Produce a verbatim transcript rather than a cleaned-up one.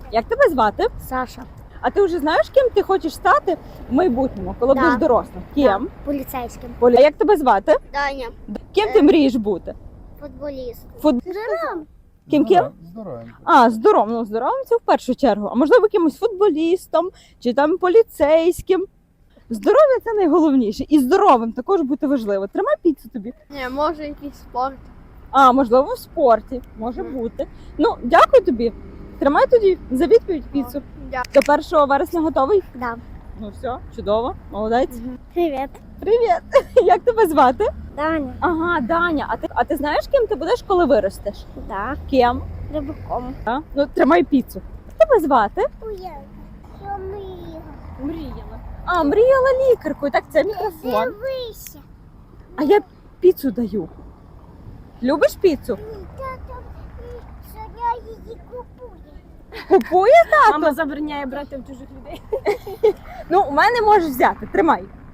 Як тебе звати? Саша. А ти вже знаєш, ким ти хочеш стати в майбутньому, коли Да. будеш дорослим? Ким? Да, поліцейським. Поля. А як тебе звати? Даня. Ким ти мрієш бути? Футболіст. Фут... Здоровим. Ким ким? Здоровим. А, здоровим. Ну, здоровим це в першу чергу. А можливо, якимось футболістом чи там поліцейським. Здоров'я це найголовніше. І здоровим також бути важливо. Тримай піцу тобі. Ні, може якийсь спорт. А, можливо, в спорті. Може Мгм. бути. Ну, дякую тобі. Тримай тоді за відповідь піцу. Дякую. До першого вересня готовий? Да. Ну все, чудово, молодець. Привіт. Привіт! Як тебе звати? Даня. Ага, Даня. А ти, а ти знаєш, ким ти будеш, коли виростеш? Да. Ким? Рибаком. А? Ну, тримай піцу. Як тебе звати? Уявка. Що мріяла? Мріяла. А, мріяла лікаркою. Так, це мікрофон. Дивися. А я піцу даю. Любиш піцу? Тато Соня її купує. Купує тато? Мама забороняє брати в чужих людей. Ну, у мене можеш взяти. Тримай.